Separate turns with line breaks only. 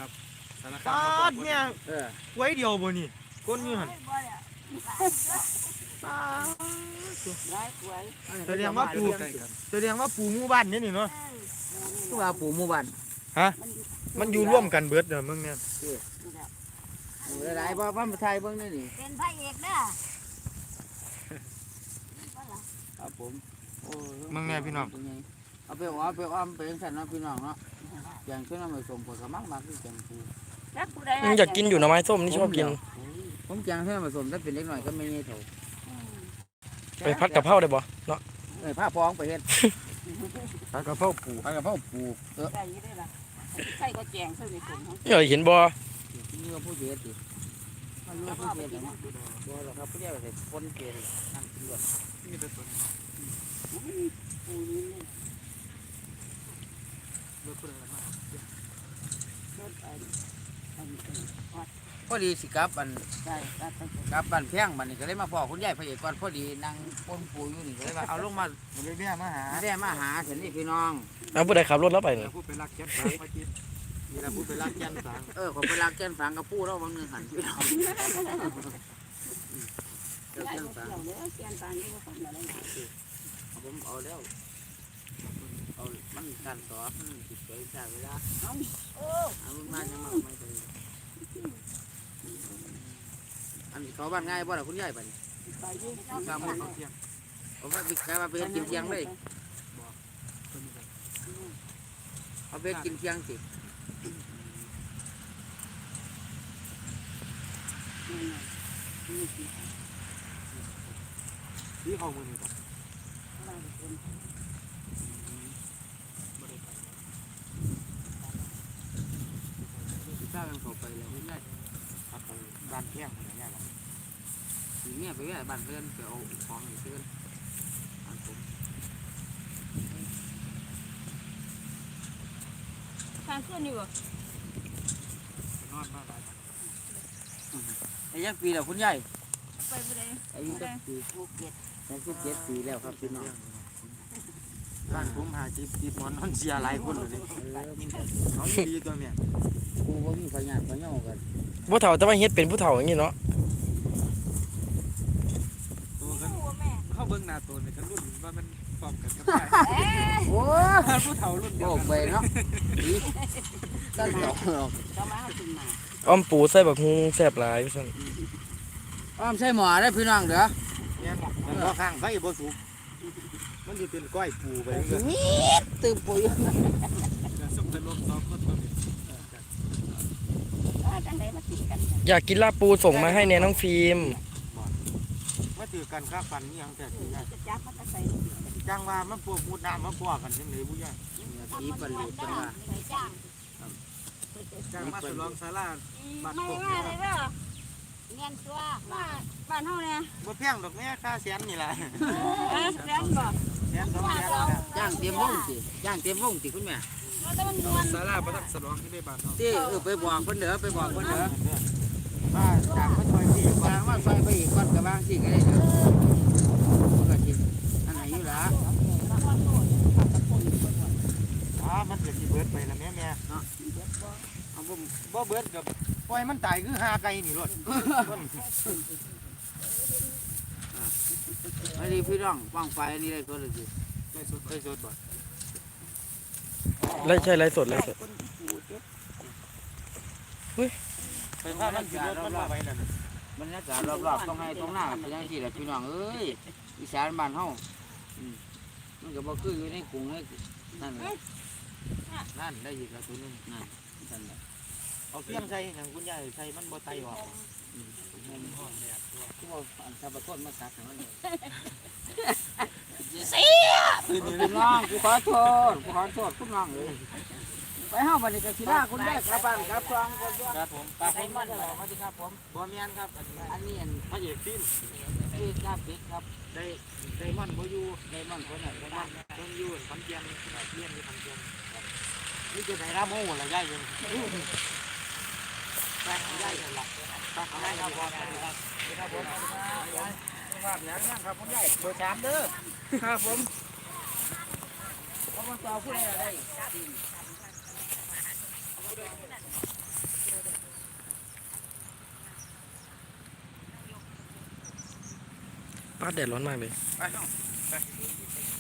ครับสารคา
ปาม ดเนี่ย
ๆ
ไว้เดียวบ่นี่ก้นอยู่หันแสดงว่าปูหมู่บ้านนี่นี่เนาะ
ตัวาปู่หมู่บ้าน
ฮะมันอยู่ร่วมกันเบิดเด้อมึงเนี่ย
หลายๆบ่ว่ามาไทยเบิ่งนี่นี่
เป็นพระเอกเด้อ
ครับผมโอ้
มึงเนี่ยพี่น้อง
เอาไปอ้อมไปจังซั่นเนาะพี่น้องเนาะอย่างเช่นเอาไปส่งผลก็มักคือจังปู
อยากกินอยู่หน่อไม้ส้มนี่ชอบกิน
ผมจังเช่นผสมถ้าเป็นเล็กหน่อยก็ไม่เงี้ยเถอะ
ไปพัดกับเพราได้บ่เนาะ
ผ้าพองไปเฮ็ด
ผัดกะเพราปู
ผ้ากระเพราปู
ใส่ได้ล่ะใส่ก็แจงใส่ในถุงเขา
เอ้ยเห็นบ่
นี่ว่าผู้เฮ็ดดิมันรู้ผู้เฮ็ดนะบ่หรอกครับผู้เฮ็ดเป็นคนเกณฑ์นั่งกินด้วย
นี่เป็นต้น
ปูนี่
เลือกคนละมาก
รถไป
พอดีสิครับอัน
ใส่ตัดไป
กับบ้านแพงบัดนี้ก็เลยมาพ่อคุณยายพระเอกก่อนพอดีนั่งปนปูอยู่นี่ก็เลยว่าเอาลงมา
บ่ได้แม่มาหา
ได้มาหาเห็นนี่พี่น้อง
เอาผู้ใดขับรถแล้วไปนี่
พูดไปรักแก๊สสางมากินนี่เราพูดไปรักแก๊สสาง
ขอไปรักแก้นฝังกับปูแล้วบางนึงหันพี่น้องแก้
ใส่
น
รถ
ฝัง
เกี่ยวเลยเกียนปานนี่ก็คนละหลาย
ผมเอาแล้วเอามันกันต่อมันติดใจใช่เวลา
เอาโอ้
เอามาจังมาไม่ได้อันนี้เขาบ้านง่ายบ่ล่ะคุณยายบัดนี้
ไปดิ
ตามมันเที่ยงเอาไปกลายมาไปกินเที่ยงเลยเอาไปกินเที่ยงสิ
ที่เขามือนี่ก่อน
ถ้ากันเข้าไปแล้วคุณยาย
ครับผมบ้านเที่ยงอะไรเงี้ยล่ะ
สีเมียไปแว่บ้านเพื่อนไปเอาของอยู่เพื่อนอันผม
ทางขึ้นอยู่บ่
นอนมาหลาย
ไอ้ยังปีแล้วคุณยาย
ไปบ่ได้
อายุจักปี
ภูเก็ต
67 ปีแล้วครับพี่น้อง
บ้านผมหาจิบหมอนนอนเสียหลายคนเลยเขาดีตัวแม่
กูว่ามีพยานพยองกัน
ผู้เฒ่าแต่ว่าเฮ็ดเป็นผู้เฒ่าอย่างนี้เนาะ
ตัวกัน
หัวแม่
เข้าเบิ้งหน้าตัวเนี่ยกันรุ่นว่ามันพร้อมกันกับ
เอ๊ะ
โอ้
ผู้เฒ่ารุ่นเดียว
โห
กัน
ไปเนาะอีตั้งหรอก
จะมาเอาขึ้นมา
อ้อมปูใส่บักฮุงแซ่บหลายว่าซั่น
อ้อมใช่หมอได้พี่น้องเด้อ
เนี่ยมันบ่ข้างไฟบ่สุกมันสิเป็นก้อยปูไปเรื่อย
ตื่นปุ๋ย
สมเป็นลมสองคนตัวนี้
จังได๋มาติดกัน
อยากกินลาบปูส่งมาให้แน่น้องฟิล์ม
มาถือกันค่าฟันนี่ยังแต่ที่ย
จะจับมันจะใส่
จังว่ามันพวกมุดน้ำมาพวกกันจังได๋บ่ยาย
ผีบรรลุจังว่า
ใส่จ้าง
จ้างมาสลองศาลา
ไม่ว่าเลยเด้อเงินตัวบ้านเฮาเนี่ย
บ่แพงดอกแม่ค่าแสนนี่ล่ะ
แรงบ่
แสน2แสนนี่ล่ะ
ย่างเตรียมวงสิย่างเตรียมวงสิคุณแม่
แต่มันนวล
ศาลาประทับสลองที่ได้บ้านเนาะ
ที่ไปบอกเพิ่นเด้อไปบอกเพิ่นเด้อ
ว่าจากมาช่วยพี่
ว่าว่าใส่ไปอีกก้อนกระบางสิก็ได้เด้อมันก็กินอันไหนอยู่ล่ะ
มันเกิดสิเบิดไปแล้วแม่
เอาผม
บ่เบิดกับปล่อยมันตายคือหาไก่นี่รถ
อันนี้พี่น้องวางไฟอันนี้ได้ก็เลยสิ
ได้สด
เคยสดบ่
ไล่ใช่ไล่สดไล่สด
ไปพามันสิรถมันมาไว้นั่น
บรรยากาศรอบๆต้องให้ตรงหน้าเป็นจังซี่แหละพี่น้องเอ้ยอีสานบ้านเฮามันก็บ่คืออยู่ในกรุงให้นั่นแหละนั่นได้อีกแล้วตัวนึงนั่นนั่นแหละ
เอาเพียงใส่หยังคุณยายใส่มันบ่ไตออก
มันหอมเลยที่ว่าอันซาบะต้นมาสักให้มันเลย คุณน้องกูขอโทษคุณน้องเลยไปเฮาบัดนี้ก็สิลาคุณได้กลับบ้านกลับซองก่อนด้วย
ครับผม
ไปให้มันเลยสวัสดีครับผม
บ่แม่นครับ
อันนี้อัน
พระเอกฟิล์ม
ที่กราฟิกครับ
ได้มันบ่อยู่
ไดมอนด์คนไหนไดมอนด์
เพิ่นอยู่ขอนแก่นเรียนอยู่ขอนแก่นนี่จะได้รับโมงละยายอยู่แม่ยายล่ะครับยายครับสวัสดีครับครับผมยายภาพยังยังครับคุณยายเบอร์3เด้อครับผม
เขามาต่อผู้ใดอะไร
ฟ้าแดดร้อนมากเลย
ไปน้องไป